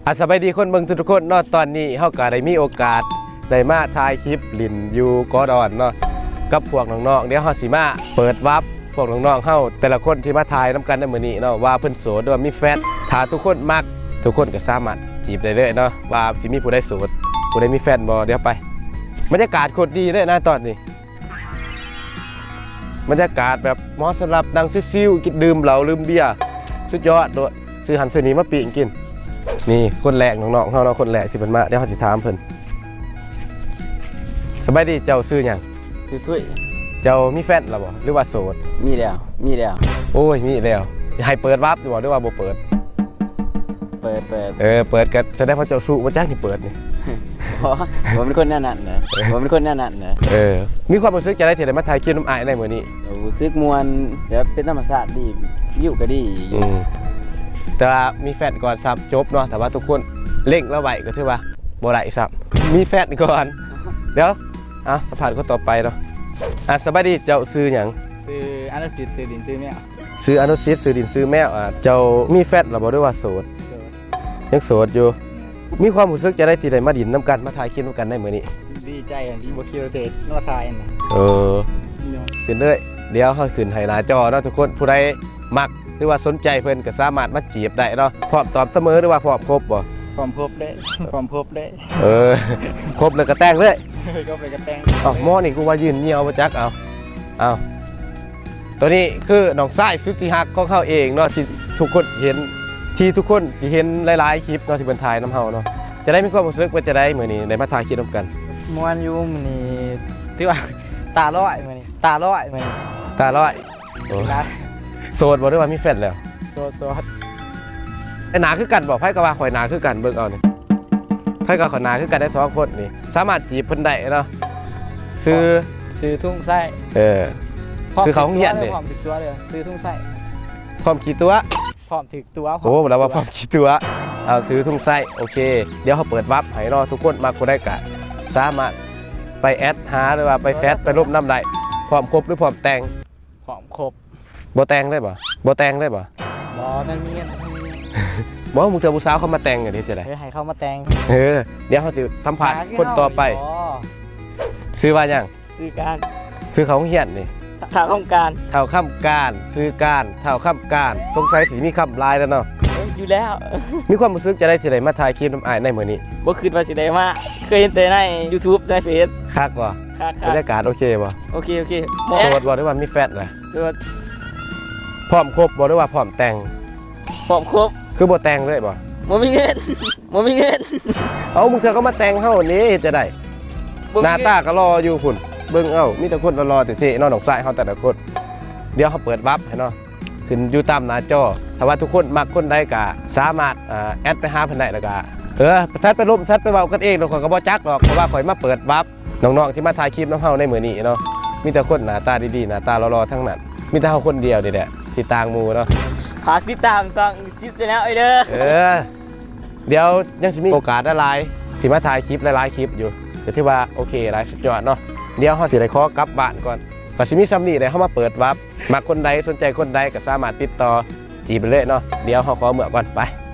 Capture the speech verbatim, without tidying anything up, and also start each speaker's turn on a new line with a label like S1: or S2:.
S1: อาสบายดีคนเบิ่งทุกคนเนาะตอนนี้เฮาก็ได้มีโอกาสได้มาถ่ายคลิปลินอยู่กอดอนเนาะกับพวกน้องๆเดี๋ยวเฮาสิมาเปิดวับพวกน้องๆเฮาแต่ละคนที่มาถ่ายนำกันในมื้อนี้เนาะว่าเพิ่นโสดหรือว่ามีแฟนถ้าทุกคนมักทุกคนก็สามารถจีบได้เลยเนาะว่าสิมีผู้ใดโสดผู้ใดมีแฟนบ่เดี๋ยวไปบรรยากาศโคตรดีเลยนะตอนนี้บรรยากาศแบบเหมาะสำหรับนั่งซิวๆกินดื่มเหล้าลืมเบียร์สุดยอดด้วยซื้อหันซื้อนี้มาปีกกินนี่คนแรกน้องๆเขาเนาะคนแรกที่เพิ่นมาเดี๋ยวเขาสิถามเพิ่นสบายดีเจ้าซื้อหยัง
S2: ซื้อถ้วย
S1: เจ้ามีแฟนหรือบ่หรือว่าโสด
S2: มีแล้วมีแล้ว
S1: โอ้ยมีแล้วให้เปิดวับอยู่บ่หรือว่าบ่เปิด
S2: เปิดเปิด
S1: เออเปิดก็แสดงว่าเจ้าสู้บ่จักนี่เปิดนี่
S2: เพราะผมเป็นคนแน่นัดนะผมเป็นคนแน่นัดนะ
S1: เออมีความรู้สึกจะได้ที่ได้มาถ่ายคลิปน้ำอ้ายในมื้อนี้
S2: รู้สึกมวนแบบเป็นธรรมชาติดีวิวก็ดี
S1: อืมแต่ว่ามีแฟนก่อนซับจบเนาะแต่ว่าทุกคนเร่งแล้วไว้ก็ถือว่าบ่ได้ซับมีแฟนก่อนเดี๋ยวอ่ะสัมภาษณ์คนต่อไปเนาะอ่ะสบายดีเจ้าซื้อหยัง
S3: ซื้ออนุสิทธิ์ซื้อดินซื้อแมว
S1: ซื้ออนุสิทธิ์ซื้อดินซื้อแมวอ่ะเจ้ามีแฟนหรือบ่ด้วยว่าโสด
S3: โดด
S1: ยังโสดอยู่มีความรู้สึกจะได้ที่ได้มาดินน้ำกันมาถ่ายคลิปน้ำกันได้มื้อนี้
S3: ดีใจอันที่บ่คิดว่าสินอทายอันน่ะ
S1: เออขึ้นเลยเดี๋ยวเฮาขึ้นให้หน้าจอเนาะทุกคนผู้ใดมักหรือว่าสนใจเพิ่นก็สามารถมาจีบได้เนาะพร้อมตอบเสมอหรือว่าพร้อมครบบ่
S3: พร้อมพบได้พร้อมพบได้
S1: เออครบเลยก็แต่งเลย
S3: ก็ไปกระแตง
S1: อ๋อหม้อนี่กูว่ายืนเหี่ยวมาจักเอาเอาตัวนี้คือน้องสายสุดที่ฮักของเขาเองเนาะที่ทุกคนเห็นที่ทุกคนที่เห็นหลายๆคลิปเนาะที่เพิ่นถ่ายน้ำเฮาเนาะจะได้มีความรู้สึกว่าจะได้มื้อนี้ได้มาถ่ายคลิปนำกัน
S3: มวนอยู่มื้อนี้ที่ว่าตาลอยมื้อนี้ตาลอยมื้อนี้
S1: ตาร้อยโอ้
S3: นะ
S1: โสดบ่ได้ว่ามีแฟนแล้ว
S3: โซโซด
S1: ไอ้หนาคือกันบ่ไผก็ว่าข่อยหนาคือกันเบิ่งเอานี่ไผก็ข่อยหนาคือกันได้สองคนนี่สามารถจีบเพิ่นได้เนาะซื้อ
S3: ซื้อทุ่งไส้
S1: เออ ซื้อเขาโรงเรียนดิ
S3: พร้อมถึกตัวเลยซื้อทุ่งไส้
S1: พร้อมขี่ตัว
S3: พร้อมถึกตัว
S1: โอ้แล้วว่าพร้อมขี่ตัวเอาถือทุ่งไส้โอเคเดี๋ยวเขาเปิดวับให้เนาะทุกคนมาคนได้กะสามารถไปแอดหาหรือว่าไปแฟซไปรูปน้ำได้พร้อมครบหรือพร้อมแต่ง
S3: พร้อมครบ
S1: บ่แต่งได้บ่บ่แต่งได้บ่
S3: บ่นั่นมีเงินมันมีเงิน
S1: บ่มึงเจอผู้สาวเขามาแต่งกันดิจะได้
S3: เฮ้ยให้เขามาแต่ง
S1: เออเดี๋ยวเขาสิสัมภาษณ์คนต่อไป
S3: อ๋อ
S1: ซื้อว่าหยัง
S3: ซื้อการ
S1: ซื้อเขาเฮียนนี่
S3: ถ้าต้องการ
S1: เท่าข้ามการซื้อการเท่าข้ามการสงสัยสิมีคำลายแล้วเนาะ
S3: อยู่แล้ว
S1: มีความรู้สึกจะได้ที่ไหนมาถ่ายคลิปน้ำอายในมื้อนี้
S3: บ่คิดว่าสิได้มาเคยเห็นแต่ใน YouTube ในเฟซ
S1: คักบ่
S3: ค่ะ
S1: บรรยากาศโอเคบ่
S3: โอเคโอเค
S1: โสดบ่หรือว่ามีแฟนล่ะ
S3: สวัสด
S1: พร้อมครบบ่หรือว่าพร้อมแต่ง
S3: พร้อมครบ
S1: คือบ่แต่งเลยบ่
S3: บ่มีเงิน บ่มีเงิน
S1: เอามึงเธอก็มาแต่งเฮานี่จะได้
S3: บ่มี
S1: หน้า
S3: เงิน
S1: ตาก็รออยู่พุ่นเบิ่งเอ้ามีแต่คนรอๆเท่ๆเนาะน้องสายเฮาแต่ละคนเดี๋ยวเขาเปิดวับให้เนาะขึ้นอยู่ตามหน้าจอถ้าว่าทุกคนมักคนใดก็สามารถอ่าแอดไปหาเพิ่นได้แล้วก็เออซัดไปลมซัดไปเว้ากันเองเนาะข่อยก็บ่จักหรอกเพราะว่าข่อยมาเปิดวับน้องๆที่มาถ่ายคลิปน้ำเฮาในมื้อนี้เนาะมีแต่คนหน้าตาดีๆหน้าตารอๆทั้งนั้นมีแต่เฮาคนเดียวนี่แหละที่ต่างหมู่เนาะ
S3: ฝากติดตามช่องชิดแนลไอเด้อ
S1: เออเดี๋ยวยังสิมีโอกาสหลายๆสิมาถ่ายคลิปหลายๆคลิปอยู่ก็ถือว่าโอเคหลายสุดยอดเนาะเดี๋ยวเฮาสิได้ขอกลับบ้านก่อนก็สิมีซ้ำนี่ได้เฮามาเปิดวับมักคนใดสนใจคนใดก็สามารถติดต่อจีบไปเลยเนาะเดี๋ยวเฮาขอเมื่อก่อนไป